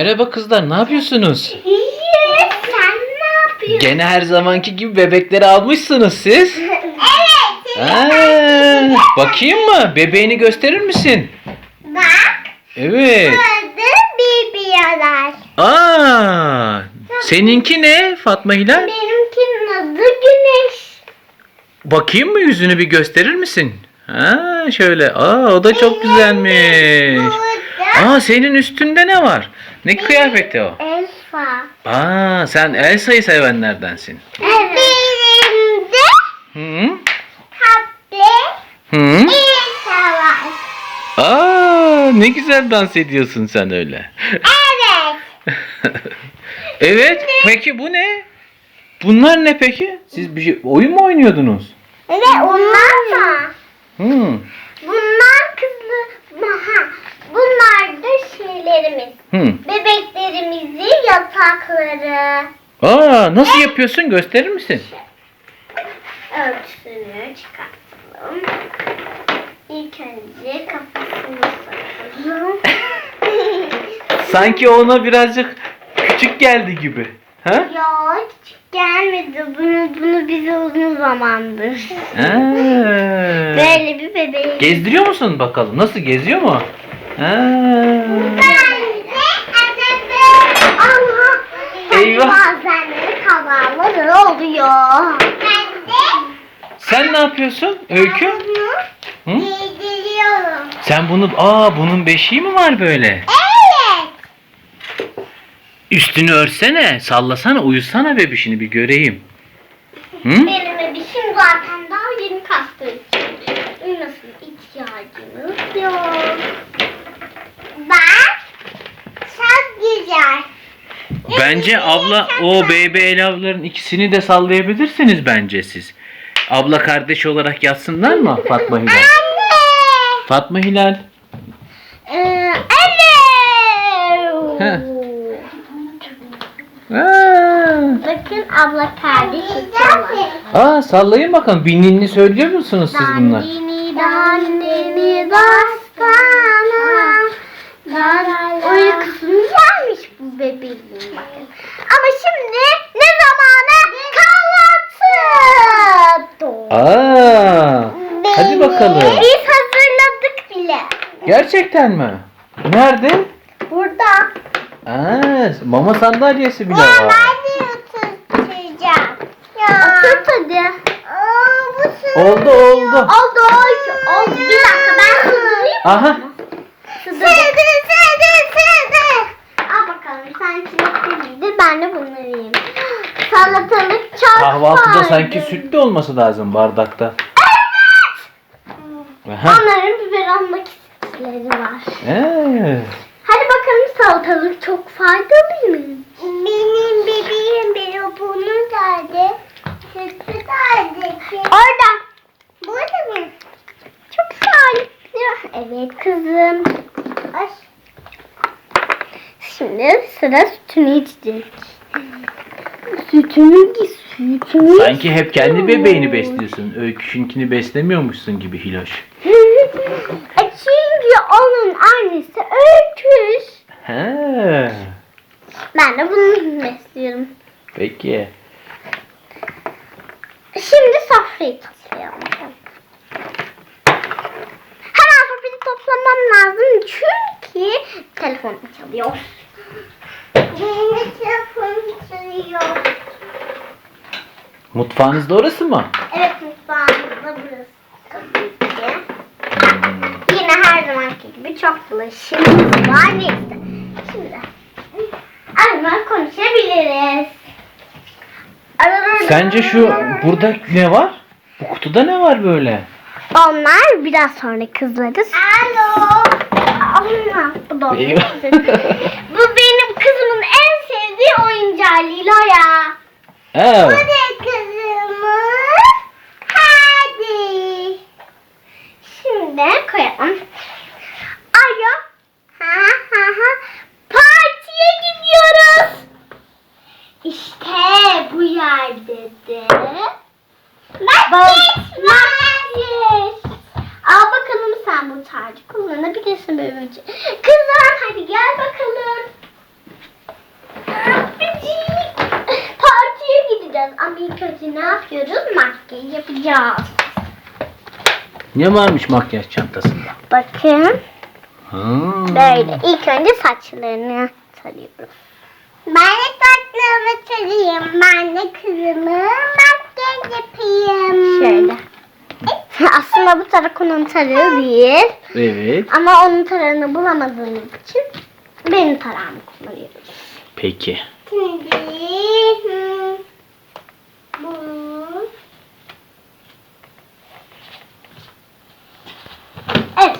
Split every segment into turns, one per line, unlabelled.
Merhaba kızlar, ne yapıyorsunuz?
İyi, sen ne yapıyorsun?
Gene her zamanki gibi bebekleri almışsınız siz.
Evet.
Bakayım mı? Bebeğini gösterir misin?
Bak.
Evet.
Burada bebeğler.
Seninki ne Fatma Hilal?
Benimkinin adı Güneş.
Bakayım mı, yüzünü bir gösterir misin? Şöyle. O da çok güzelmiş. Senin üstünde ne var? Ne kıyafeti o?
Elsa.
Sen Elsa'yı sevenlerdensin.
Evet. Benim de
Hı?
tatlı
Hı?
Elsa var.
Ne güzel dans ediyorsun sen öyle.
Evet.
Evet. Peki bu ne? Bunlar ne peki? Siz oyun mu oynuyordunuz?
Evet, onlar da. Bunlar bunlar da şeylerimiz. Bebeklerimizin yatakları.
Nasıl yapıyorsun? Gösterir misin?
Örtüsünü çıkartalım. İlk önce kafasını sokalım.
Sanki ona birazcık küçük geldi gibi.
Yok, küçük gelmedi. Bunu bize uzun zamandır. Böyle bir bebeği.
Gezdiriyor musun bakalım? Nasıl, geziyor mu? Eyvah.
Bazen de kazalar oluyor.
Sen ne yapıyorsun Öykü?
Giydiriyorum.
Sen bunun beşiği mi var böyle?
Evet.
Üstünü örtsene, sallasana, uyusana bebişini bir göreyim.
Benim bebişim zaten daha yeni kastığı için uyumasına ihtiyacımız yok. Bak, çok güzel.
Bence abla, o baby elavların ikisini de sallayabilirsiniz bence siz. Abla kardeş olarak yatsınlar mı Fatma Hilal?
Anne.
Fatma Hilal.
Anne. Bakın abla kardeş tutuyorlar.
Sallayın bakalım. Bir ninni söylüyor musunuz siz bunlar?
Dandini dastana. Uykusunu gelmiş bu bebeğin bakın. Ama şimdi ne zamanı? Kahvaltı.
Hadi bakalım.
Biz hazırladık bile.
Gerçekten mi? Nerede?
Burada.
Mama sandalyesi bile
Ya
var.
ben de oturtacağım. Oturt hadi.
Oldu.
Oldu. Bir dakika ben sığdırayım.
Aha.
Sığdır. Al bakalım sen çilekli, ben de bunları yiyeyim. Salatalık çok
Kahvaltıda
faydalı.
sanki sütlü olması lazım bardakta.
Evet. Onların biber almak istedikleri var. Hadi bakalım, salatalık çok faydalı mı? Benim bebeğim bunu nerede? Sütü nerede? Orada. Burada mı? Çok sağlıklı. Evet kızım. Ay. Şimdi sıra sütünü içecek. Sütünü.
Sanki hep kendi bebeğini besliyorsun. Öyküşünkini beslemiyormuşsun gibi Hiloş.
Çünkü onun annesi Öyküş. Ben de bunu besliyorum.
Peki.
Şimdi sofrayı toplayalım. Hemen sofrayı toplamam lazım çünkü telefonum çalıyor. Benim telefonum çalıyor.
Mutfağınız da orası mı?
Evet, mutfağımızda burası tabii ki. Yine her zamanki gibi çok bulaşığımız var. Neyse. Şimdi hemen konuşabiliriz.
Sence burada ne var? Bu kutuda ne var böyle?
Onlar biraz sonra kızlarız. Alo. Allah, bu da
Eyvah.
Bu benim kızımın en sevdiği oyuncağı Lilo'ya. Bu da kızımın. Hadi. Şimdi koyalım. Alo. Partiye gidiyoruz. İşte bu yerde de. Al bakalım, sen bu tacı kullanabilirsin böylece. Kızlar hadi gel bakalım. yapacağız. Ama ilk önce ne yapıyoruz? Makyaj yapacağız.
Ne varmış makyaj çantasında?
Bakın.
Ha.
Böyle. İlk önce saçlarını tarıyoruz. Ben de saçlarımı tarayayım. Ben de kızımı makyaj yapayım. Şöyle. Aslında bu tarak onun tarağı değil.
Evet.
Ama onun tarağını bulamadığımız için benim tarağımı kullanıyoruz.
Peki.
Şimdi bu. Evet.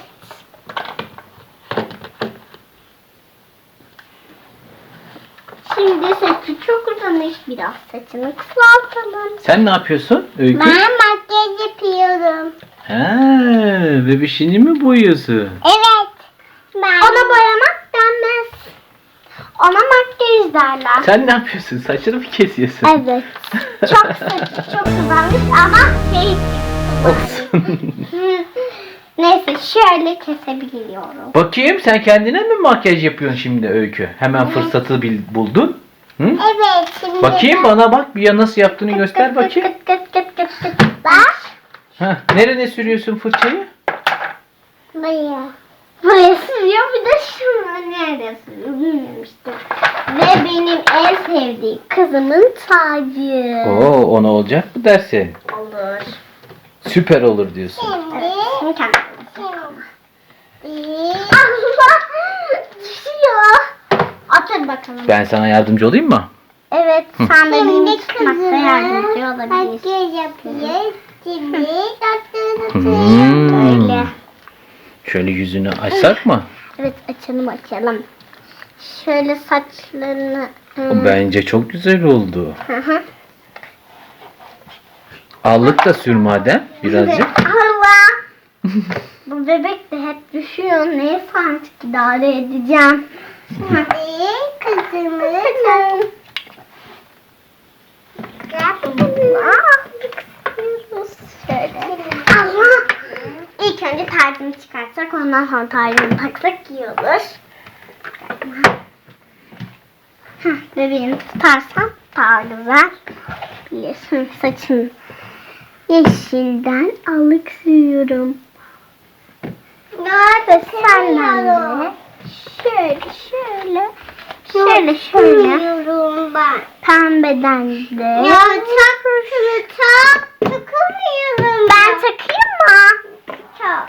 Şimdi saçı çok uzamış, biraz saçını kısaltalım.
Sen ne yapıyorsun Öykü?
Ben makyaj yapıyorum.
Ha, bebişini mi boyuyorsun?
Evet. Ona boyamak denmez. Ona makyaj derler.
Sen ne yapıyorsun? Saçını mı kesiyorsun?
Evet. Çok saçı çok uzamış ama şey
Olsun.
neyse şöyle kesebiliyorum.
Bakayım sen kendine mi makyaj yapıyorsun şimdi Öykü? Hemen fırsatı buldun. Hı?
Evet şimdi.
Bakayım bana bak bir ya nasıl yaptığını göster bakayım.
Bak.
Ha, nereye sürüyorsun fırçayı?
Buraya. Buraya sürüyor bir de şuna nerede sürüyor bilmemiştim. Ve benim en sevdiğim kızımın tacı.
Oo, ona olacak mı dersin?
Olur.
Süper olur diyorsun.
Evet. Şimdi kendim. Allah! Düşüyor. Otur bakalım.
Ben sana yardımcı olayım mı?
Evet, sen de benim tutmakta yardımcı olabilirsin. Makyaj yapayım. Şimdi böyle.
Şöyle yüzünü açsak mı?
Evet, açalım. Şöyle saçlarını.
Bence çok güzel oldu.
Hı hı.
Allık da sür madem birazcık.
Allah! Bu bebek de hep düşüyor. Neyse artık idare edeceğim. Hadi kızımı. Şöyle. Allah! İlk önce tacını çıkartsak ondan sonra tacını taksak iyi olur. Bebeğini tutarsan daha güzel. Biliyorsun saçını yeşilden alık sürüyorum. Nerede senden de şöyle ben. Pembeden de. Ya takamıyorum. Ben takayım mı? Tak.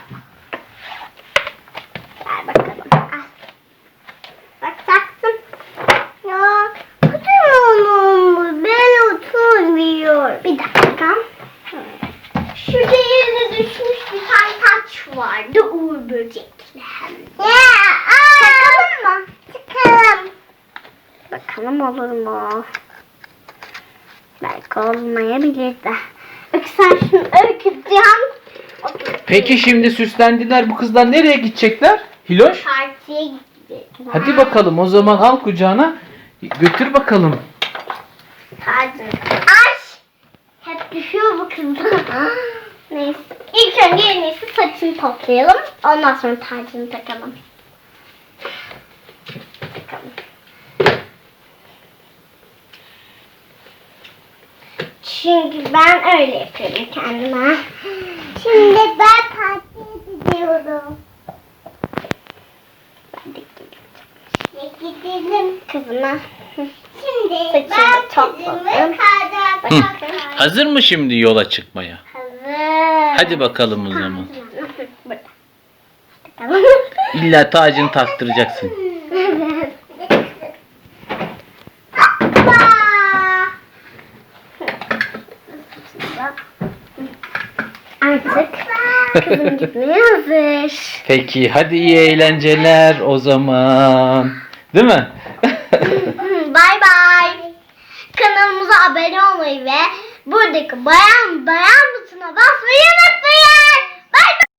Ver bakalım. Al. Bak taktım. Ya kutuyorum. Ben oturmuyor. Bir dakika. Şurada yere düşmüş bir tane taç vardı. Uğur böcekli hem de. Takalım mı? Takalım. Bakalım olur mu? Belki olmayabilir de. Öykü sen şunu öyküdeceğim.
Peki şimdi süslendiler. Bu kızlar nereye gidecekler? Hiloş?
Partiye gidecekler.
Hadi bakalım o zaman al kucağına. Götür bakalım.
Hadi. Aç. Hep düşüyor bu kızlar. Neyse. İlk önce en iyisi saçını toplayalım. Ondan sonra tacını takalım. Çünkü ben öyle yapıyorum kendime. Şimdi ben partiye gidiyorum. Ben de gidelim kızıma. Şimdi ben topladım.
Hazır mı şimdi yola çıkmaya?
Hazır.
Hadi bakalım o zaman.
Burada.
İlla tacını taktıracaksın.
Evet. Artık kızım gitmeye hazır.
Peki hadi iyi eğlenceler o zaman. Değil mi?
Bay bay. Kanalımıza abone olmayı ve buradaki bayan butonuna basmayı unutmayın.